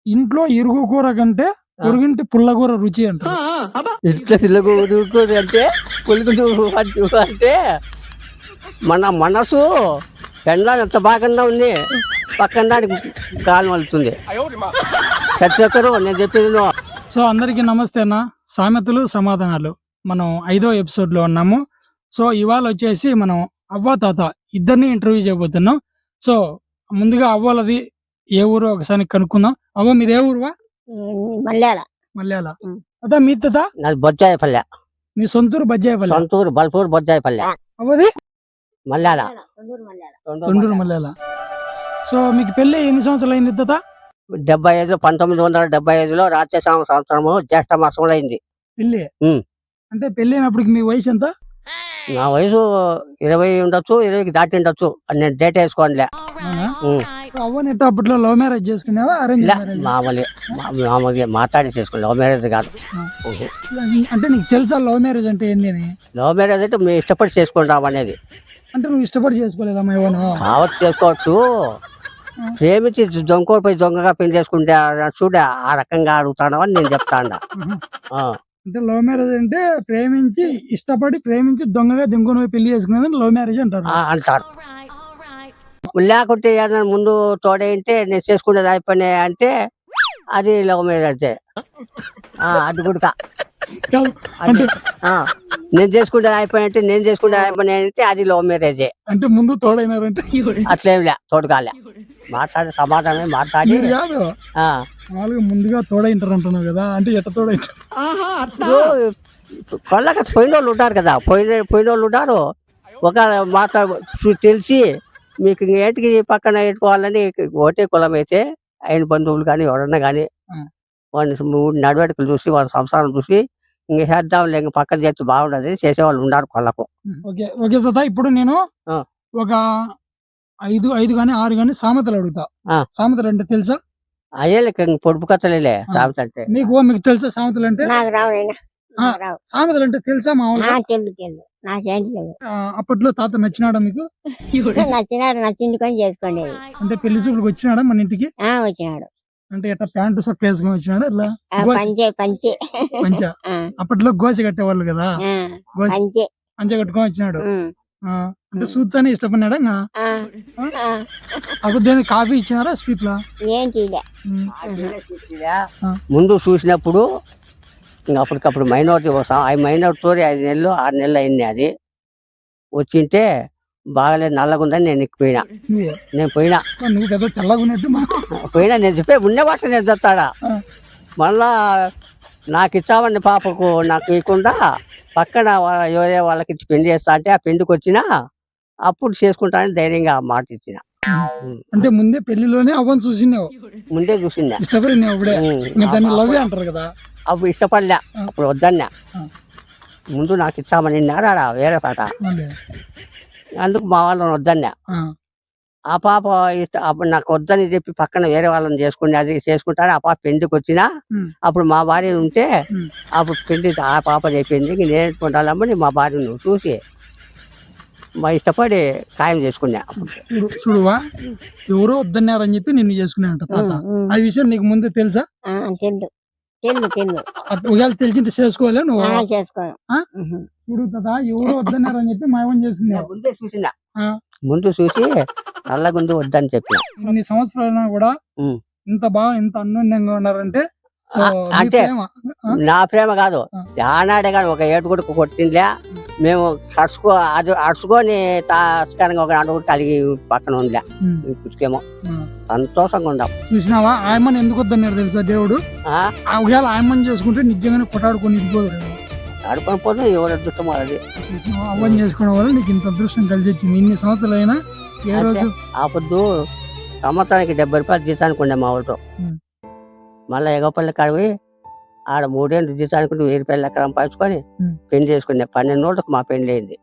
ఇంట్లో ఇరుగు కూర కంటే పొరుగింటి పుల్లకూర రుచి అంట. ఇంట్లో తిరుగుతుంది అంటే పులుగు అంటే మన మనసు పెండ్లాన్ని ఎంత బాగా ఉంది, పక్కన దానికి గాలి మలుతుంది. ప్రతి ఒక్కరు నేను చెప్పేది సో అందరికీ నమస్తే అన్న. సామెతలు సమాధానాలు మనం 5వ ఎపిసోడ్ లో ఉన్నాము. సో ఇవాళ వచ్చేసి మనం అవ్వ తాత ఇద్దరిని ఇంటర్వ్యూ చేయబోతున్నాం. సో ముందుగా అవ్వలది ఏ ఊరు ఒకసారి కనుక్కుందాం. అవ్వ మీది ఏ ఊరువా? మల్యాల. అదా మీ తాత? నాది బొజ్జాయిపల్లె. మీ సొంతూరు బజ్జాయిపల్లి. సొంతూరు బల్పూరు బొజ్జాయిపల్లె. అవ్వది మల్యాల, తొండూరు మల్యాల. సో మీకు పెళ్లి ఎన్ని సంవత్సరాలు అయింది తాత? 75 1975లో రాత్రి సంవత్సరము జ్యేష్ఠ మాసంలో అయింది పెళ్లి. అంటే పెళ్లి అయినప్పటికి మీ వయసు ఎంత? నా వయసు 20 ఉండొచ్చు, 20కి దాటి ఉండొచ్చు. నేను డేట్ వేసుకోండిలే. అవ్వని అప్పట్లో లవ్ మ్యారేజ్ చేసుకునేవా అరేంజ్ మ్యారేజ్? మామూలుగా మాట్లాడి చేసుకోండి, లవ్ మ్యారేజ్ కాదు. అంటే నీకు తెలుసా లవ్ మ్యారేజ్ అంటే ఏంది అని? లవ్ మ్యారేజ్ అంటే మేము ఇష్టపడి చేసుకుంటాం అనేది. అంటే నువ్వు ఇష్టపడి చేసుకోలేదమ్మా ఏమన్నా? కావచ్చు, చేసుకోవచ్చు. ప్రేమించి దొంగకోడిపోయి దొంగగా పెళ్లి చేసుకుంటే చూడ ఆ రకంగా అడుగుతాడని నేను చెప్తాను. అంటే లవ్ మ్యారేజ్ అంటే ప్రేమించి ఇష్టపడి ప్రేమించి దొంగగా దొంగను పెళ్లి చేసుకునేది లవ్ మ్యారేజ్ అంటారు. లేకుంటే ఏదైనా ముందు తోడేంటే నేను చేసుకునేది అయిపోయినా అంటే అది లవ్ మ్యారేజ్. అది కూడా నేను చేసుకుంటే అయిపోయినట్టే, నేను చేసుకుంటే అయిపోయినా అంటే అది లవ్ మ్యారేజే. అంటే ముందు తోడైనారంటే అట్లేంలే, తోడుకాలే మాట్లాడి సమాధానమే మాట్లాడి కాదు. మామూలుగా ముందుగా తోడైంటారు అంటున్నావు కదా, అంటే ఎట్ట తోడైంటారు? కొల్లక పోయిన వాళ్ళు ఉంటారు కదా, పోయిన వాళ్ళు ఉంటారు. ఒక తెలిసి మీకు ఇంకేటికి పక్కన పెట్టుకోవాలని ఒకటే కులం అయితే ఆయన బంధువులు కానీ ఎవరన్నా కానీ వాడిని నడవడికలు చూసి వాళ్ళ సంసారం చూసి ఇంక చేద్దాం లేక పక్కన చేస్తే బాగుండదు చేసేవాళ్ళు ఉన్నారు కొల్లకు. ఓకే ఓకే తాత, ఇప్పుడు నేను ఒక 5 కానీ 6 కానీ సామెతలు అడుగుతా. సామెతలు అంటే తెలుసా? అయ్యే పొడుపు కథలేలే సామెత అంటే. మీకు తెలుసా సామెతలు అంటే? సామెతలు అంటే తెలుసా మామూలుగా? అప్పట్లో తాత నచ్చినాడా మీకు? నచ్చింది కొని చేసుకోండి. అంటే పెళ్లి చూపులకు వచ్చినాడా మన ఇంటికి? వచ్చినాడు. అంటే ఎట్లా ప్యాంటు సొక్క వేసుకొని వచ్చినాడా? అట్లా పంచ. అప్పట్లో గోస కట్టేవాళ్ళు కదా, పంచ కట్టుకొని వచ్చినాడు. అంటే సూట్స్ అని ఇష్టపడినాడా? అప్పుడు దేని కాఫీ ఇచ్చినారా స్వీట్ లా? ముందు చూసినప్పుడు ఇంకా అప్పటికప్పుడు మైనారిటీ వస్తాం. ఆ మైనారిటీ 5 నెలలు 6 నెలలు అయింది. అది వచ్చింటే బాగాలేదు, నల్లగుందని నేను పోయినా. నువ్వు కదా తెల్లగా ఉన్నట్టు పోయినా. నేను చెప్పే ఉండే వాట నేను చెప్తాడా. మళ్ళా నాకు ఇచ్చామని పాపకు నాకు ఇవ్వకుండా పక్కన ఎవరే వాళ్ళకి ఇచ్చి పెళ్లి చేస్తా అంటే ఆ పెళ్లికి వచ్చినా అప్పుడు చేసుకుంటానని ధైర్యంగా మాట ఇచ్చిన. అంటే ముందే పెళ్లిలోనే అవ్వని చూసినావు? ముందే చూసిందా, ఇష్టపడినావు. లవ్ అంటారు కదా, అప్పుడు ఇష్టపడలే, అప్పుడు వద్దన్నా. ముందు నాకు ఇచ్చామని నారా వేరే పాట, అందుకు మా వాళ్ళని వద్దన్నా. ఆ పాప అప్పుడు నాకు వద్దని చెప్పి పక్కన వేరే వాళ్ళని చేసుకుని అది చేసుకుంటాను. ఆ పాప పెళ్లికి వచ్చినా అప్పుడు మా భార్య ఉంటే అప్పుడు పెళ్లి ఆ పాప చెప్పింది నేర్చుకుంటానమ్మని మా భార్యను చూసి మా ఇష్టపడి ఖాయం చేసుకున్నా. చూడువా, ఎవరో వద్దన్నారని చెప్పి నిన్ను చేసుకున్నానంట తాత. ఆ విషయం నీకు ముందే తెలుసా? ఒకవేళ తెలిసింటే చేసుకోలే నువ్వు? చూడు తాత, ఎవరో వద్దన్నారని చెప్పి మా ఏమని చేసుకున్నా. ముందే చూసినా, ముందు చూసి నల్లగుందు వద్దని చెప్పి. ఇన్ని సంవత్సరాలైనా కూడా ఇంత బాగా ఇంత అన్యోన్యంగా ఉన్నారంటే అంటే నా ప్రేమ కాదు, ఆనాడే కానీ ఒక ఏటుగుడు కొట్టిందిలే. మేము అడుచుకొని తాస్కరంగా ఒక అడుగు కలిగి పక్కన ఉందిలే. ఇప్పటికేమో సంతోషంగా ఉండాం. చూసినావా ఆయమ్మని ఎందుకు వద్దన్నారు తెలుసా దేవుడు? ఒకవేళ ఆయమ్మని చేసుకుంటే నిజంగానే కొట్టాడుకొని ఇదిపోదు, ఆడుకొని పోతే ఎవరు అదృష్టం అది. అవ్వని చేసుకోవడం వల్ల నీకు ఇంత అదృష్టం కలిసి వచ్చింది. ఇన్ని సంవత్సరాలు అయినా ఏ రోజు ఆ పొద్దు సంవత్సరానికి 70 రూపాయలు జీతానికి ఉండే మా వాళ్ళతో. మళ్ళీ ఎగపల్లి కాడివి ఆడ 3 ఏళ్ళు జీతానికి 1000 రూపాయలు లెక్క సంపాదించుకొని పెళ్లి చేసుకునే 12 రోజులకు మా పెళ్లి అయింది.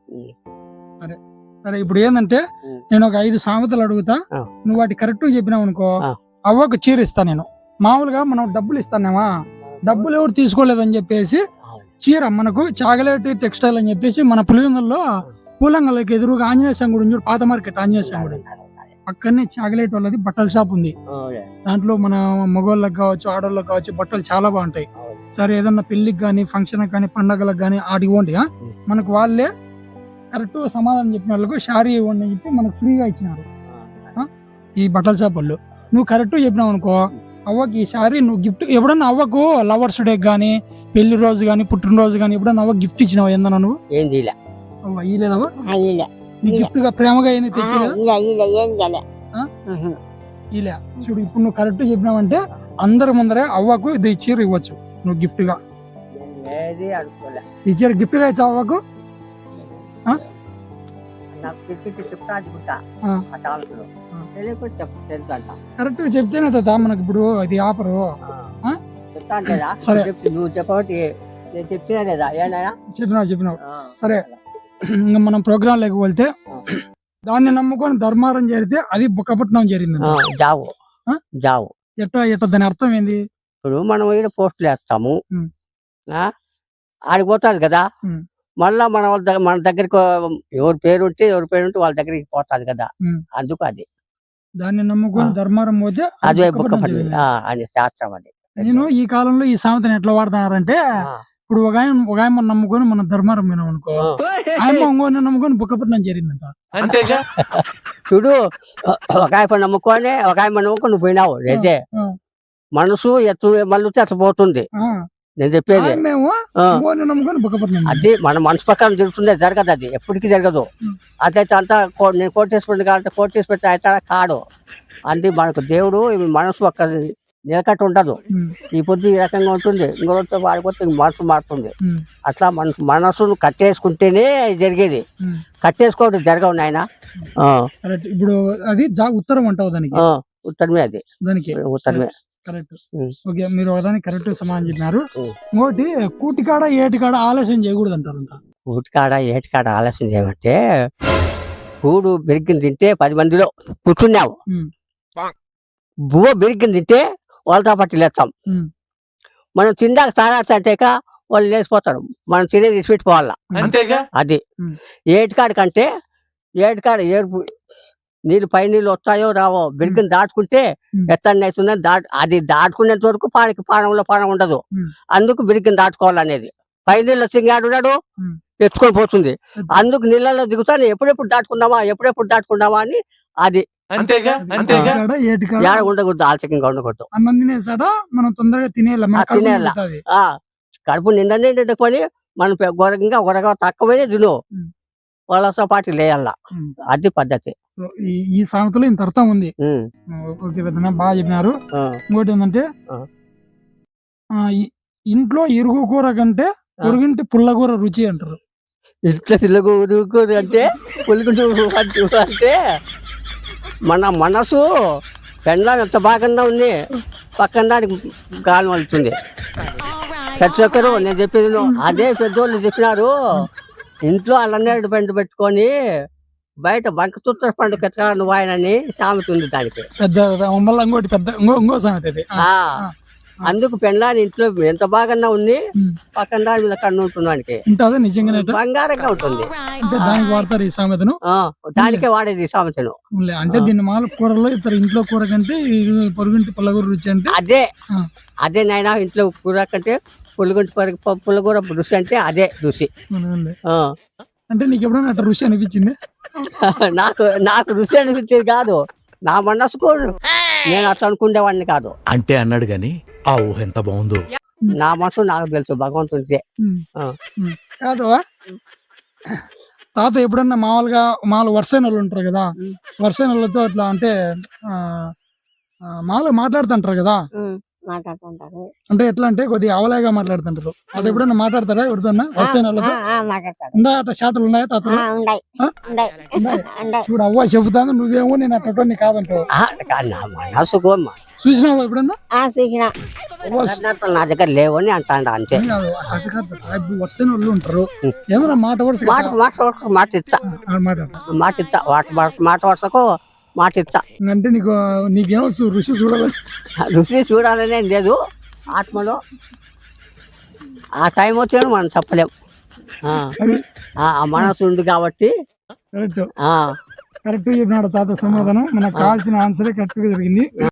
సరే, ఇప్పుడు ఏంటంటే నేను ఒక 5 సామెతలు అడుగుతా, నువ్వు వాటి కరెక్ట్ చెప్పినావు అనుకో, అవ్వకు చీర ఇస్తా నేను. మామూలుగా మనం డబ్బులు ఇస్తానేమా, డబ్బులు ఎవరు తీసుకోలేదని చెప్పేసి చీర మనకు చాగలేటి టెక్స్టైల్ అని చెప్పేసి మన పులివెందుల్లో పూలంగల్లోకి ఎదురుగా ఆంజనేయ స్వామి గుడి, పాత మార్కెట్ ఆంజనేయ స్వామి గుడి, పక్కనే చాక్లెట్ వాళ్ళది బట్టల షాప్ ఉంది. దాంట్లో మన మగవాళ్ళకి కావచ్చు, ఆడవాళ్ళకి కావచ్చు బట్టలు చాలా బాగుంటాయి. సరే ఏదన్నా పెళ్లికి కానీ, ఫంక్షన్ కానీ, పండగలకు కానీ ఆడికి పోండి. మనకు వాళ్ళే కరెక్ట్ సమాధానం చెప్పిన వాళ్ళకు శారీ ఇవ్వండి అని చెప్పి మనకు ఫ్రీగా ఇచ్చినారు ఈ బట్టల షాప్ వాళ్ళు. నువ్వు కరెక్ట్ చెప్పినావు అనుకో, అవ్వకి ఈ శారీ నువ్వు గిఫ్ట్ ఎప్పుడన్నా అవ్వకు లవర్స్ డే కానీ, పెళ్లి రోజు కానీ, పుట్టినరోజు కానీ ఎప్పుడన్నా అవ్వ గిఫ్ట్ ఇచ్చినావు ఏందన్నా నువ్వు? ఏం చేయలే. అవ్వ ఇలేదవ్వ ఇలా నీ గిఫ్ట్ గా ప్రేమగా ఏంది తెచ్చలేదు ఇలా ఇలా ఏం కాలే. ఇలా చూడు. ఇప్పుడు నువ్వు కరెక్ట్ చెప్పినావంటే అందరి ముందరే అవ్వకు ఇది చీర ఇవ్వచ్చు నువ్వు గిఫ్ట్ గా. ఏది అనుకోలే. ఈ చీర గిఫ్ట్ గా ఇచ్చావు అవ్వకు. నాకు తిట్టి చెప్తా అనుకుంటా ఆ. ఆ తాలూకులో. తెలియకపోతే తెలుసు అంట. కరెక్ట్ చెప్తేనే తా మనకి ఇప్పుడు ఇది ఆఫరు. చెప్తా అంటేదా? సరే. నువ్వు చెప్పబట్టి నేను చెప్తున్నా లేదా ఏనాయా? చెప్పినావు సరే. ఇంకా మనం ప్రోగ్రాం లేకపోతే దాన్ని నమ్ముకొని ధర్మారం చేరితే అది బుక్కపట్నం జరిగింది. జావు ఆ? జావు ఎట్లా దాని అర్థం ఏంది? ఇప్పుడు మనం ఈడ పోస్టులు వేస్తాము, ఉం. ఆడికి పోతుంది కదా, ఉం. మళ్ళా మన దగ్గరికి ఎవరి పేరు ఉంటే వాళ్ళ దగ్గరికి పోతుంది కదా, ఉం. అందుకు అది దాన్ని నమ్ముకొని ధర్మారం పోతే అది అదే బుక్కపట్నం బుక్క జరిగింది. అని శాస్త్రం అది. నేను ఈ కాలంలో ఈ సామెతను ఎట్లా వాడుతున్నారంటే, ఆ. ఇప్పుడు ఒక ఆయన నమ్ముకొని మన ధర్మారం వినాం అనుకో, ఆయన ఇంకోని నమ్ముకొని బుక్కపట్నం జరిగిందంట. చూడు, ఒక ఆయన నమ్ముకొని నువ్వు పోయినావు అయితే ఆ, మనసు ఎత్తు మళ్ళీ అట్లా పోతుంది. ఆ. నేను చెప్పేది మేము ఆ. ఇంకోని నమ్ముకొని బుక్కపట్నం అది మన మనసు ప్రకారం జరుగుతుందే, జరగదు, అది ఎప్పటికీ జరగదు. ఉం. అదైతే అంతా నేను కోటేశ్వరుడు కాబట్టి కోటేశ్వరి అయితే కాడు. అంటే మనకు దేవుడు మనసు ఒక్క నిలకట్టు ఉండదు. ఉం. ఈ పొద్దు ఈ రకంగా ఉంటుంది, ఇంకో రోజుతో వాడిపోతే మనసు మారుతుంది. ఉం. అట్లా మనసును కట్టేసుకుంటేనే జరిగేది, ఉం. కట్టేసుకోవడం జరగవు నాయన. కరెక్ట్. ఇప్పుడు అది ఉత్తరం అంటావు దానికి. ఉత్తరమే అది, దానికి ఉత్తరమే. కరెక్ట్. ఉం. ఓకే, మీరు ఒకదానికి కరెక్ట్ సమాధానం చెప్పినారు. ఉం. ఇంకోటి కూటికాడ ఏటికాడ ఆలస్యం చేయకూడదు అంటారంట. ఊటికాడ ఏటికాడ ఆలస్యం చేయమంటే, కూడు బెరిగిని తింటే 10 మందిలో కూర్చున్నావు, ఉం. బువ్వ బెరిగిని తింటే వాళ్ళతో పట్టి లేస్తాం. ఉం. మనం తిందాక తాగాక వాళ్ళు లేచిపోతారు, మనం తినేది ఇసిపెట్టిపోవాలా. అది ఉం. ఏటికాడ కంటే ఏటికాడ ఏడుపు నీళ్ళు పై నీళ్ళు వస్తాయో రావో బెరిగిని దాటుకుంటే ఉం. ఎత్తడి అవుతుందని అది దాటుకునేంత వరకు పానంలో పానం ఉండదు. ఉం. అందుకు బెరిగిని దాటుకోవాలనేది. పై నీళ్ళు వచ్చింగాడున్నాడు ఉం. ఎత్తుకొని పోతుంది, అందుకు నీళ్ళలో దిగుతాను ఎప్పుడెప్పుడు దాటుకుందామా అని. అది కూటికాడ ఏటికాడ ఏడ ఉండకూడదు, ఆలస్యంగా ఉండకూడదు. అన్నం తినేసాడ మనం తొందరగా తినేయాలి, మన కడుపు తినేయాల. నిండుతాది. కడుపు నిండుకొని మనం గొరగా తక్కువనే తిను, ఉం. వాళ్ళతో పాటు లేయాల. ఉం. అది పద్ధతి. సో ఈ సామెతలో ఇంత అర్థం ఉంది. ఉం. ఓకే పెద్దనా, బాగా చెప్పినారు. ఆ. ఇంకోటి ఏంటంటే, ఆ. ఇంట్లో ఇరుగు కూర కంటే పొరుగింటి పుల్లకూర రుచి అంటారు. ఇట్లా తిరుగురు అంటే పులుగుంటూ అంటే మన మనసు పెండ్లా ఎంత బాగా ఉంది, పక్కన దానికి గాలి మలుతుంది. ప్రతి ఒక్కరు నేను చెప్పేది అదే పెద్దోళ్ళు చెప్పినారు. ఇంట్లో అల్లనేడు పండు పెట్టుకొని బయట బంకతుత్తర పండు కెత్తగా నువ్వు ఆయనని సామెత ఉంది దానికి. పెద్ద మళ్ళీ ఇంకోటి పెద్ద ఇంకో సామెత ఇది. అందుకు పెండ్లాని ఇంట్లో ఎంత బాగా ఉంది, ఉం. పక్కన దాని మీద కన్ను ఉంటుంది వానికి, ఉంటుందా నిజంగానే? బంగారంగా ఉంటుంది. అంటే దానికి వాడతారు ఈ సామెతను. దానికే వాడేది ఈ సామెతను. అంటే దీన్ని మాల కూరలో ఇతర ఇంట్లో కూర కంటే పొరుగింటి పుల్లకూర రుచి అంటే అదే ఆ. అదే నాయన ఇంట్లో కూర కంటే పుల్లగూర రుచి అంటే అదే రుచి. ఉంది. ఆ. అంటే నీకు ఎప్పుడైనా అట్లా రుచి అనిపించింది? నాకు రుచి అనిపించేది కాదు, నా మనసుకు నేను అట్లా అనుకునేవాడిని కాదు. అంటే అన్నాడు గాని ఆ ఊహ ఎంత బాగుందో. నా మనసు నాకు తెలుసు, భగవంతుడిదే. ఉం. ఆ. ఉం. కాదు తాత ఎప్పుడన్నా మామూలుగా వర్షైన వాళ్ళు ఉంటారు కదా, వర్షైన వాళ్ళతో అట్లా అంటే మామూలుగా మాట్లాడుతుంటారు కదా, మాట్లాడుతుంటారు. అంటే ఎట్లా అంటే కొద్దిగా అవలేగా మాట్లాడుతుంటారు. అది ఎప్పుడన్నా మాట్లాడతారా ఎవరితోన్నా వర్షైన వాళ్ళతో? మాట్లాడతారు. ఉందా అట్లా షాటలు ఉన్నాయా తాత? ఉన్నాయి ఆ? ఉన్నాయి ఉన్నాయి. ఉన్నాయి. ఇప్పుడు అవ్వ చెబుతాను, నువ్వేమో నేను అట్లా కాదంటావు. నా మనసుకు చూసినావా ఎప్పుడన్నా? చూసిన నా దగ్గర లేవని అంటాడు అంతే. కాదు, అది కాదు తాత. ఇప్పుడు వర్షైన వాళ్ళు ఉంటారు, ఏమన్నా మాట వరుస మాట ఇచ్చా మాట వరుసకు మాట ఇచ్చా. అంటే నీకేమో రుచి చూడాలని రుచి చూడాలనే లేదు, ఆత్మలో ఆ టైం వచ్చాను మనం చెప్పలేం. ఆ మనసు ఉంది కాబట్టి కరెక్ట్. కరెక్ట్ చెప్పినాడు తాత సమాధానం. మనకు కావాల్సిన ఆన్సరే కరెక్ట్ గా జరిగింది.